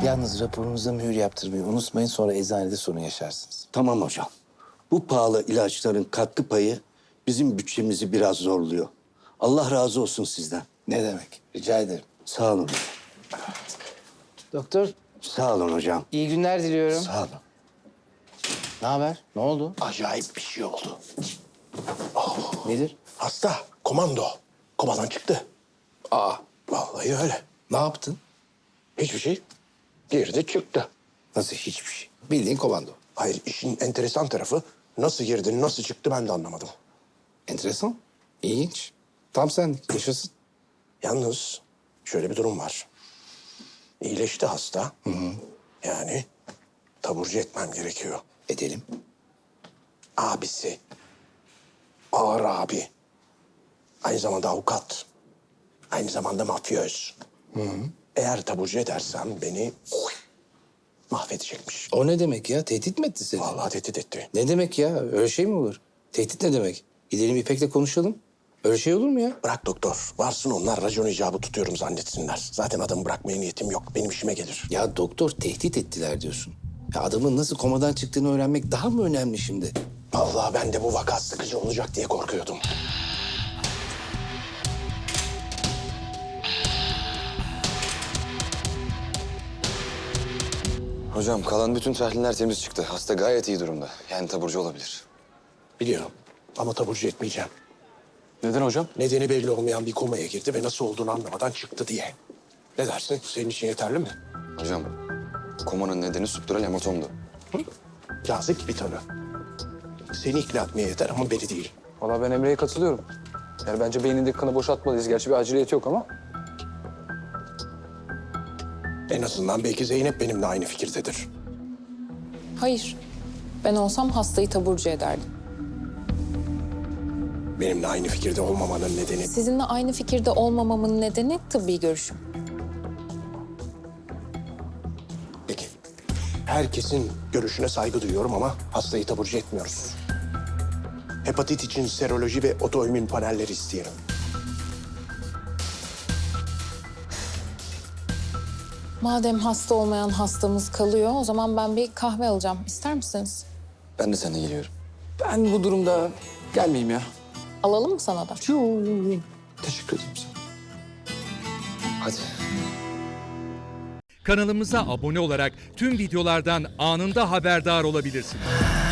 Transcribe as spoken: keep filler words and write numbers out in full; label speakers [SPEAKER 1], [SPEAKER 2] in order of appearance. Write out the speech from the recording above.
[SPEAKER 1] Yalnız raporunuza mühür yaptırmayı unutmayın, sonra eczanede sorun yaşarsınız.
[SPEAKER 2] Tamam hocam. Bu pahalı ilaçların katkı payı bizim bütçemizi biraz zorluyor. Allah razı olsun sizden.
[SPEAKER 1] Ne demek? Rica ederim.
[SPEAKER 2] Sağ olun.
[SPEAKER 1] Doktor,
[SPEAKER 2] Sağ olun hocam.
[SPEAKER 1] iyi günler diliyorum.
[SPEAKER 2] Sağ olun.
[SPEAKER 1] Ne haber? Ne oldu?
[SPEAKER 3] Acayip bir şey oldu.
[SPEAKER 1] Nedir?
[SPEAKER 3] Hasta, komando. Komadan çıktı.
[SPEAKER 1] Aa,
[SPEAKER 3] Vallahi öyle.
[SPEAKER 1] ne yaptın?
[SPEAKER 3] Hiçbir şey. Girdi çıktı.
[SPEAKER 1] Nasıl hiçbir şey? Bildiğin komando.
[SPEAKER 3] Hayır, işin enteresan tarafı nasıl girdi, nasıl çıktı ben de anlamadım.
[SPEAKER 1] Enteresan. İlginç. Tam senlik. Yaşasın.
[SPEAKER 3] Yalnız şöyle bir durum var. İyileşti hasta. Hı hı. Yani taburcu etmem gerekiyor.
[SPEAKER 1] Edelim.
[SPEAKER 3] Abisi. Ağır abi. Aynı zamanda avukat. Aynı zamanda mafyöz. Hı hı. Eğer taburcu edersem beni mahvedecekmiş.
[SPEAKER 1] O ne demek ya? Tehdit mi etti seni?
[SPEAKER 3] Vallahi tehdit etti.
[SPEAKER 1] Ne demek ya? Öyle şey mi olur? Tehdit ne demek? Gidelim İpek'le konuşalım. Öyle şey olur mu ya?
[SPEAKER 3] Bırak doktor. Varsın onlar racon icabı tutuyorum zannetsinler. Zaten adamı bırakmaya niyetim yok. Benim işime gelir.
[SPEAKER 1] Ya doktor, tehdit ettiler diyorsun. Ya adamın nasıl komadan çıktığını öğrenmek daha mı önemli şimdi?
[SPEAKER 3] Vallahi ben de bu vaka sıkıcı olacak diye korkuyordum.
[SPEAKER 4] Hocam kalan bütün tahliller temiz çıktı. Hasta gayet iyi durumda. Yani taburcu olabilir.
[SPEAKER 3] Biliyorum ama taburcu etmeyeceğim.
[SPEAKER 4] Neden hocam?
[SPEAKER 3] Nedeni belli olmayan bir komaya girdi ve nasıl olduğunu anlamadan çıktı diye. Ne dersin? Senin için yeterli mi?
[SPEAKER 4] Hocam komanın nedeni subdural hematomdu.
[SPEAKER 3] Yazık bir tanı. Seni ikna etmeye yeter ama beni değil.
[SPEAKER 5] Valla ben Emre'ye katılıyorum. Yani bence beynindeki kanı boşaltmalıyız. Gerçi bir aciliyeti yok ama.
[SPEAKER 3] En azından belki Zeynep benimle aynı fikirdedir.
[SPEAKER 6] Hayır. Ben olsam hastayı taburcu ederdim.
[SPEAKER 3] Benimle aynı fikirde olmamanın nedeni...
[SPEAKER 6] Sizinle aynı fikirde olmamamın nedeni tıbbi görüşüm.
[SPEAKER 3] Peki. Herkesin görüşüne saygı duyuyorum ama hastayı taburcu etmiyoruz. Hepatit için seroloji ve otoimmün panelleri isteyelim.
[SPEAKER 6] Madem hasta olmayan hastamız kalıyor, o zaman ben bir kahve alacağım. İster misiniz?
[SPEAKER 4] Ben de seninle geliyorum.
[SPEAKER 5] Ben bu durumda gelmeyeyim ya.
[SPEAKER 6] Alalım mı sana da?
[SPEAKER 5] Teşekkür ederim sana.
[SPEAKER 4] Hadi.
[SPEAKER 7] Kanalımıza abone olarak tüm videolardan anında haberdar olabilirsiniz.